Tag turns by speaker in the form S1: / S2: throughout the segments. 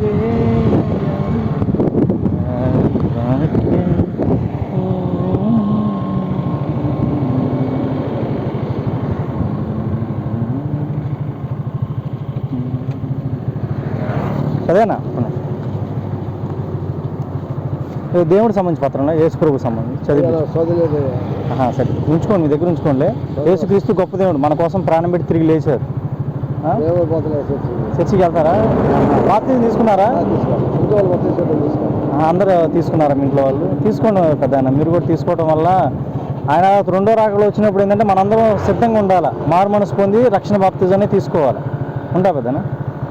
S1: అదేనా దేవుడికి సంబంధించి పత్రంలో యేసుప్రభుకు సంబంధించి చదివి సరే ఉంచుకోండి, మీ దగ్గర ఉంచుకోండి. యేసుక్రీస్తు గొప్ప దేవుడు, మన కోసం ప్రాణం పెట్టి తిరిగి లేచారు. చర్చికి వెళ్తారా? బాప్తిజం తీసుకున్నారా? అందరూ తీసుకున్నారా? మీ ఇంట్లో వాళ్ళు తీసుకోండి పెద్ద, మీరు కూడా తీసుకోవడం వల్ల ఆయన రెండో రాకడలో వచ్చినప్పుడు ఏంటంటే మనందరం సిద్ధంగా ఉండాలి. మారు మనసు పొంది రక్షణ బాప్తిజాన్ని తీసుకోవాలి. ఉంటా పెద్దనా?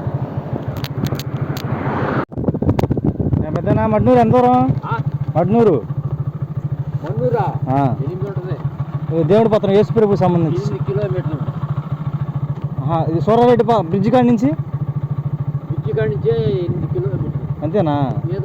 S1: పెద్దనా మడ్నూరు ఎంత దూరం? మడ్నూరు దేవుడి పత్రం యేసుప్రభుకు సంబంధించి ఇది సూరారెడ్డి బ్రిడ్జి కాడి నుంచి అంతేనా?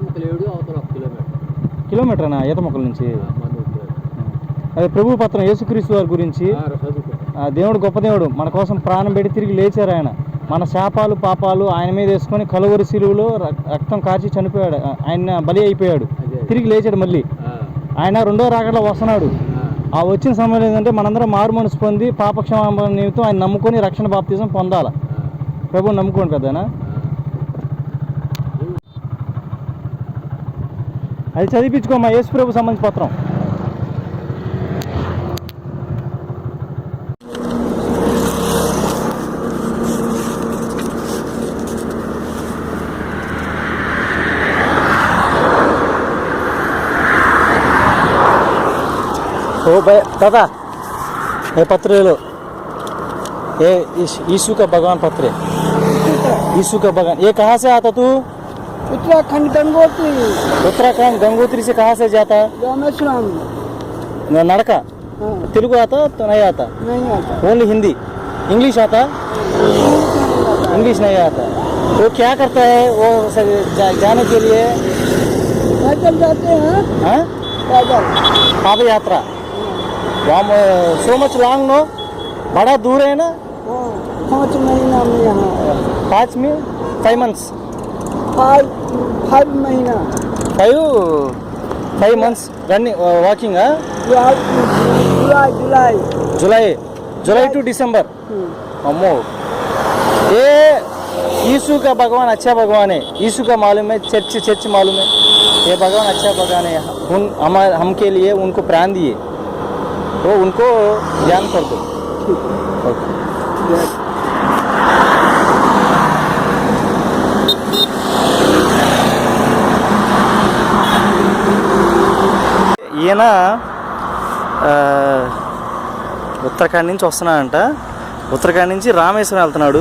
S1: కిలోమీటర్నా ఈత మొక్కల నుంచి? అదే ప్రభు పత్రం యేసుక్రీస్తు వారి గురించి. దేవుడు గొప్ప దేవుడు, మన కోసం ప్రాణం పెట్టి తిరిగి లేచారు. ఆయన మన శాపాలు పాపాలు ఆయన మీద వేసుకొని కలువరి శిలువలో రక్తం కార్చి చనిపోయాడు. ఆయన బలి అయిపోయాడు, తిరిగి లేచాడు. మళ్ళీ ఆయన రెండో రాకడలో వస్తున్నాడు. ఆ వచ్చిన సమయంలో ఏంటంటే మనందరం మారు మనసు పొంది పాపక్షమాపణ నిమిత్తం ఆయన నమ్ముకొని రక్షణ బాప్తిజం పొందాలి. ప్రభువుని నమ్ముకోండి పెద్దనా. అది చదివించుకోమ్మా యేసుప్రభు సంబంధించి పత్రం. ओ भाई दादा, ये पत्र ले लो, ये यीशु का भगवान पत्र है। यीशु का भगवान, ये कहाँ से आता तू?
S2: उत्तराखंड गंगोत्री।
S1: उत्तराखंड गंगोत्री से कहाँ से जाता?
S2: रामेश्वरम।
S1: नड़का? तेलुगु आता तो नहीं आता?
S2: नहीं आता।
S1: ओनली हिंदी? इंग्लिश आता? इंग्लिश नहीं आता। वो क्या करता है वो जाने के लिए?
S2: पैदल जाते हैं।
S1: हाँ?
S2: पैदल
S1: पाद यात्रा। वहाँ सो मच लॉन्ग नो, बड़ा दूर है ना?
S2: 5 महीना में यहाँ
S1: 5 months
S2: 5 महीना
S1: 5 months running walking. July to December. अम्मो, ये यीशु का भगवान अच्छा भगवान है। यीशु का मालूम है, चर्च मालूम है। ये भगवान अच्छा भगवान है, हम के लिए उनको प्राण दिए, तो उनको ध्यान कर दो। ఈయన ఉత్తరాఖండ్ నుంచి వస్తున్నాడంట. ఉత్తరాఖండ్ నుంచి రామేశ్వరం వెళ్తున్నాడు.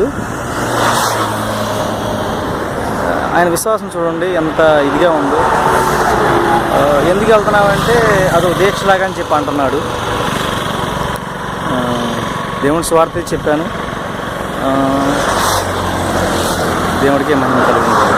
S1: ఆయన విశ్వాసం చూడండి ఎంత ఇదిగా ఉందో. ఎందుకు వెళ్తున్నామంటే అదొక దీక్షలాగా అని చెప్పి అంటున్నాడు. దేవుడి స్వార్థ చెప్పాను. దేవుడికి మహిమ కలుగుతుంది.